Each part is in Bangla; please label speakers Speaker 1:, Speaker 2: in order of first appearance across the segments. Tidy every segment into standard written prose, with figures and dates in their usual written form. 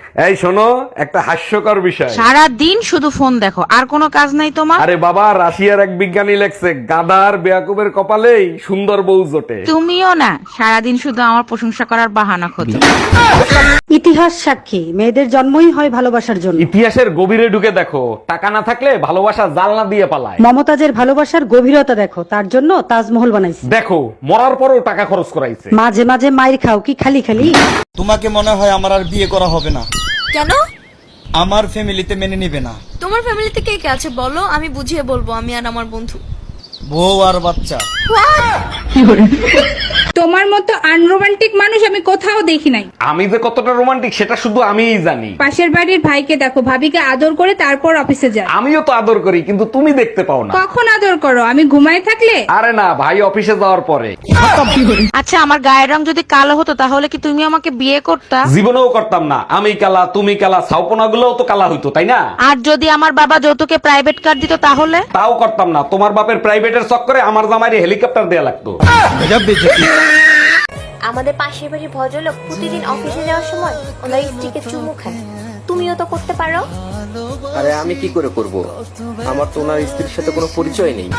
Speaker 1: এই শোনো, একটা হাস্যকর বিষয়।
Speaker 2: সারা দিন শুধু ফোন দেখো, আর কোনো কাজ নাই তোমার?
Speaker 1: আরে বাবা, রাশিয়ার এক বিজ্ঞানী লেখছে গাধার বেয়াকুবের কপালেই সুন্দর বউ জোটে।
Speaker 2: তুমিও না, সারাদিন শুধু আমার প্রশংসা করার বাহানা খোঁজো।
Speaker 3: ইতিহাস সাক্ষী মেয়েদের জন্মই হয় ভালোবাসার জন্য।
Speaker 1: ইতিহাসের গভীরে ঢুকে দেখো, টাকা না থাকলে ভালোবাসা জালনা দিয়ে পালায়।
Speaker 3: মমতাজের ভালোবাসার গভীরতা দেখো, তার জন্য তাজমহল বানাইছে।
Speaker 1: দেখো, মরার পরও টাকা খরচ করাইছে।
Speaker 3: মাঝে মাঝে মাইর খাও কি খালি খালি?
Speaker 4: তোমাকে মনে হয় আমার আর বিয়ে করা হবে না।
Speaker 5: কেন?
Speaker 4: আমার ফ্যামিলিতে মেনে নিবে না।
Speaker 5: তোমার ফ্যামিলিতে কে কে আছে বলো, আমি বুঝিয়ে বলবো, আমি আর আমার বন্ধু।
Speaker 4: বউ আর বাচ্চা।
Speaker 6: তোমার মতো আনরোমান্টিক মানুষ আমি কোথাও দেখি নাই।
Speaker 1: আমি যে কতটা রোমান্টিক সেটা শুধু আমিই জানি।
Speaker 6: পাশের বাড়ির ভাইকে দেখো, ভাবিকে আদর করে তারপর অফিসে যায়।
Speaker 1: আমিও তো আদর করি, কিন্তু তুমি দেখতে পাও না।
Speaker 6: কখন আদর করো? আমি ঘুমায় থাকলে?
Speaker 1: আরে না, ভাই অফিসে যাওয়ার পরে।
Speaker 2: আচ্ছা, আমার গায়ের রং যদি কালো হতো তাহলে কি তুমি আমাকে বিয়ে করতা?
Speaker 1: জীবনেও করতাম না। আমি কালা, তুমি কালা, ছাউপনা গুলোও তো কালা হইতো, তাই না?
Speaker 2: আর যদি আমার বাবা যৌতুকে প্রাইভেট কার দিত তাহলে?
Speaker 1: তাও করতাম না। তোমার বাপের প্রাইভেটের চক্করে আমার জামাইরে হেলিকপ্টার দেয়া লাগতো।
Speaker 7: আমাদের পাশের বাড়ির ভদ্রলোক প্রতিদিন অফিসে যাওয়ার সময় ওনার স্ত্রীকে চুমু খায়। তুমিও তো করতে পারো।
Speaker 8: আরে আমি কি করে করব? আমার তো ওনার স্ত্রীর সাথে কোনো পরিচয় নেই।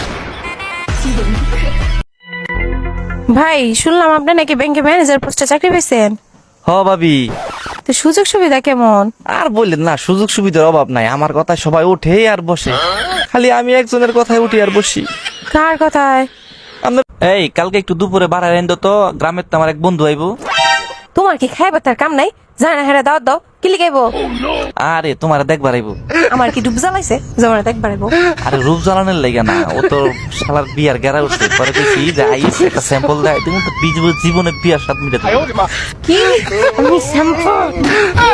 Speaker 9: ভাই, শুনলাম আপনি নাকি ব্যাংকে ম্যানেজার পোস্টে চাকরি পেয়েছেন।
Speaker 10: হ ভাবি,
Speaker 9: তো সুযোগ সুবিধা কেমন?
Speaker 10: আর বললেন না, সুযোগ সুবিধার অভাব নাই। আমার কথা সবাই উঠে আর বসে, খালি আমি একজনের কথায় উঠি আর বসি।
Speaker 9: কার কথায়?
Speaker 10: এই কালকে একটু দুপুরে বাড়ায় এনে তো, গ্রামের তো আমার এক বন্ধু আইবো।
Speaker 9: তোমার কি খাইবার তার কাম নাই? জানা না হেরা দাওয়াত দাও, কি লিখাইবো?
Speaker 10: আরে তোমার দেখবার আইবো।
Speaker 9: আমার কি ডুব জ্বালাইছে জমানা দেখবার আইবো?
Speaker 10: আরে রূপ জ্বালানোর লেগে না, ও তো শালার বিয়ার গেরা উঠছে। পরে দেখি যে আইস একটা স্যাম্পল দেয়, তুমি তো জীবনে বিয়ার স্বাদ মিটে।
Speaker 9: কি? আমি শ্যাম্পু